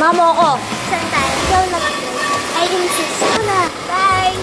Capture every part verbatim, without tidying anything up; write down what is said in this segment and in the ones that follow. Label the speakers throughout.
Speaker 1: Sumama mo ako.
Speaker 2: Saan tayo? Ikaw na lang. I insist. Wala. Bye!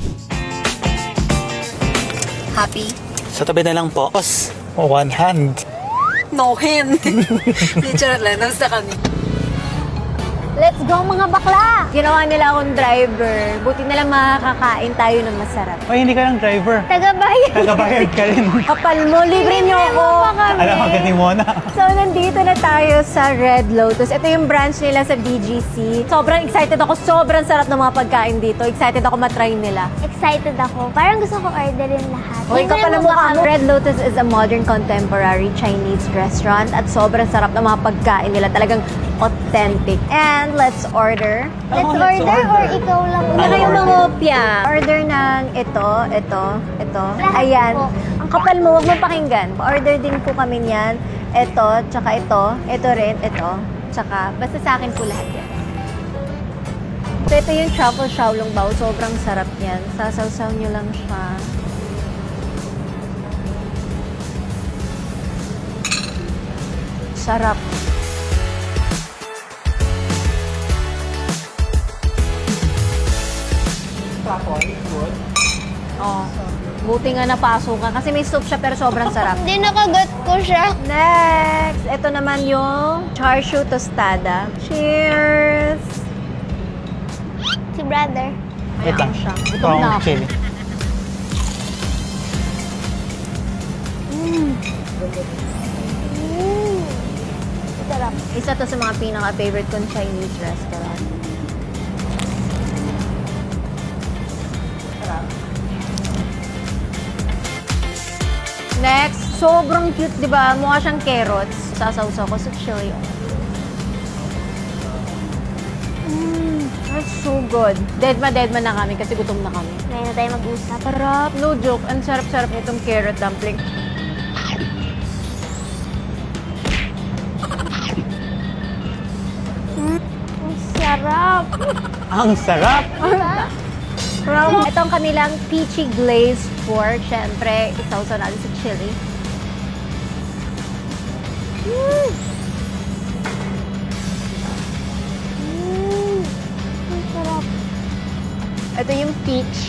Speaker 1: Happy?
Speaker 3: Sa tabi na lang po. Boss, one hand.
Speaker 1: No hand. Literal lang. Nasa kami.
Speaker 2: Let's go mga bakla!
Speaker 1: Ginawa nila akong driver. Buti na lang makakain tayo ng masarap.
Speaker 3: Ay, hindi ka lang driver.
Speaker 2: Tagabayan.
Speaker 3: Nagabayad ka rin.
Speaker 1: Kapal mo, libre niyo ako.
Speaker 3: Alam mo, ganti mo na.
Speaker 1: So, nandito na tayo sa Red Lotus. Ito yung branch nila sa B G C. Sobrang excited ako. Sobrang sarap ng mga pagkain dito. Excited ako matry nila.
Speaker 2: Excited ako. Parang gusto ko orderin lahat.
Speaker 1: Okay,
Speaker 2: Libre
Speaker 1: kapal
Speaker 2: mo
Speaker 1: mo
Speaker 2: ba
Speaker 1: ka. Red Lotus is a modern contemporary Chinese restaurant at sobrang sarap ng mga pagkain nila. Talagang authentic. And let's order.
Speaker 2: Let's
Speaker 3: Oh,
Speaker 2: order,
Speaker 3: let's
Speaker 2: or
Speaker 3: order.
Speaker 2: ikaw lang.
Speaker 1: Ano
Speaker 3: Ano
Speaker 1: kayong
Speaker 3: order?
Speaker 1: mangopya? Order ng ito, ito, ito.
Speaker 2: Lahat
Speaker 1: Ayan.
Speaker 2: po.
Speaker 1: Ang kapal mo, huwag mo pakinggan. Order din po kami niyan. Ito, tsaka ito. Ito rin, ito. Tsaka, basta sa akin po lahat yan. So, ito yung truffle xiaolong bao. Sobrang sarap yan. Sasaw-saw nyo lang siya. Sarap. Oh. Buti nga napasok ka. Kasi may soup siya pero sobrang sarap.
Speaker 2: Hindi nakagat ko siya.
Speaker 1: Next! Ito naman yung char siu tostada. Cheers!
Speaker 2: Si brother.
Speaker 3: Wait lang.
Speaker 1: siya.
Speaker 3: Ito
Speaker 1: Gutom na
Speaker 3: ang
Speaker 1: ako.
Speaker 3: chili.
Speaker 2: Mm. Sarap.
Speaker 1: Isa to sa mga pinaka-favorite kong Chinese restaurant. Next, sobrang cute, di ba? Mukha siyang carrots. Sasawsaw ko sa chili. Mm, that's so good. Dead ma, dead ma na kami kasi gutom na kami.
Speaker 2: Ngayon na tayo mag-usap.
Speaker 1: Sarap, no joke. Ang sarap-sarap nitong carrot dumpling.
Speaker 2: Ang sarap.
Speaker 3: Ang sarap!
Speaker 1: From itong kanilang peachy glazed pork. Siyempre, isawsaw natin sa chili.
Speaker 2: Mm. Mm. Ang sarap.
Speaker 1: Ito yung peach.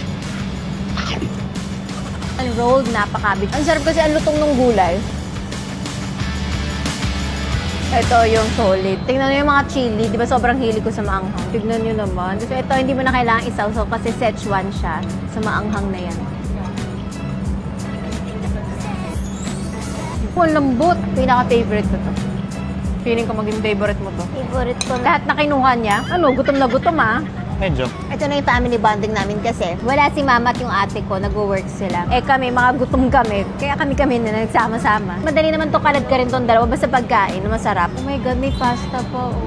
Speaker 1: Ang rolled na pakabit. Ang sarap kasi ang lutong ng gulay. Ito yung solid. Tingnan nyo yung mga chili. Di ba sobrang hilig ko sa maanghang? Tignan nyo naman. So ito, hindi mo na kailangan isawsaw kasi Szechuan siya sa maanghang na yan. Oh, lambot. Pinaka-favorite ko to. Feeling ko maging favorite mo to.
Speaker 2: Favorite ko na.
Speaker 1: Lahat na kinuha niya. Ano, gutom na gutom ah.
Speaker 3: Medyo.
Speaker 1: Ito na yung family bonding namin kasi wala si mama at yung ate ko, nag-work sila. Eh kami, mga gutom kami. Kaya kami-kami na nagsama-sama. Madali naman to kalad ka rin tong dalawa, basta pagkain na masarap. Oh my God, may pasta pa, oh.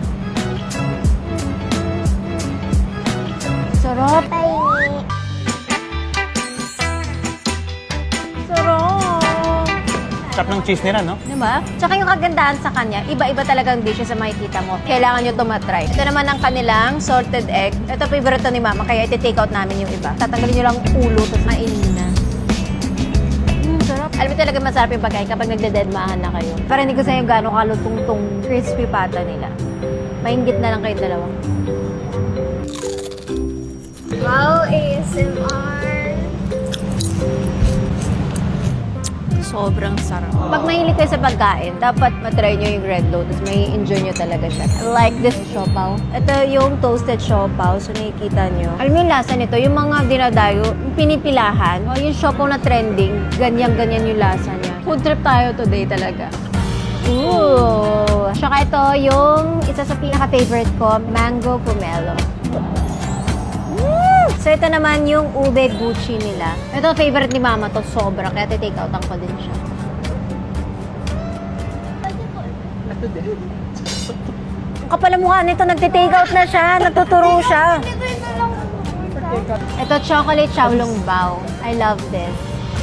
Speaker 1: Sarap.
Speaker 2: Tiny.
Speaker 1: Sarap.
Speaker 3: Sarap ng cheese nila, no?
Speaker 1: Diba? Tsaka yung kagandahan sa kanya, iba-iba talagang dishes sa makikita mo. Kailangan nyo ito matry. Ito naman ang kanilang salted egg. Ito favorite to ni mama, kaya iti-take out namin yung iba. Tatanggalin nyo lang ulo, tapos mainin na. Mm, sarap. Alam mo talaga masarap yung pagkain kapag nagdededmahan na kayo. Para hindi ko sa inyo gano'ng kalutong tong crispy pata nila. Maingit na lang kayo dalawa.
Speaker 2: Wow, A S M R.
Speaker 1: Sobrang sarap. Pag mahilig kayo sa pagkain, dapat matry nyo yung Red Lotus. May enjoy nyo talaga siya. I like this siopaw. Ito yung toasted siopaw. So, nakikita nyo. Alam mo yung lasa nito, yung mga dinadayo, yung pinipilahan, o yung siopaw na trending, ganyan-ganyan yung lasa niya. Food trip tayo today talaga. Ooh! Tsaka ito yung isa sa pinaka-favorite ko, mango pomelo. So, ito naman yung ube gucci nila. Ito, favorite ni mama to, sobra. Kaya take out ko din siya. Ang kapal ang mukha nito, nagte-take out na siya, nagtuturo siya. Ito, chocolate xiaolong bao. I love this.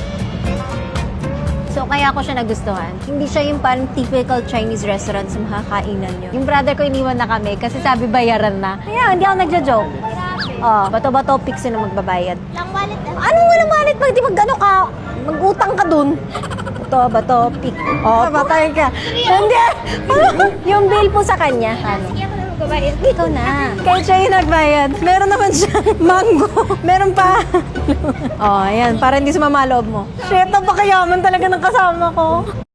Speaker 1: So, kaya ko siya nagustuhan. Hindi siya yung parang typical Chinese restaurant sa makakainan nyo. Yung brother ko iniwan na kami kasi sabi bayaran na. Kaya, hindi ako nagja-joke. Oh, bato-bato, pixie na magbabayad.
Speaker 2: Lang wallet ah.
Speaker 1: Anong walang malit? Mag, di mag-ano ka? Mag-utang ka dun. Bato, bato, pik. Oh, batay ka. Hindi. Yung bill po sa kanya. Ano?
Speaker 2: Sige ako na magbabayad.
Speaker 1: Ikaw na. Kahit siya yung nagbayad. Meron naman siyang mango. Meron pa. oh, ayan. Para hindi sumama loob mo. Shit, napakayaman talaga ng kasama ko.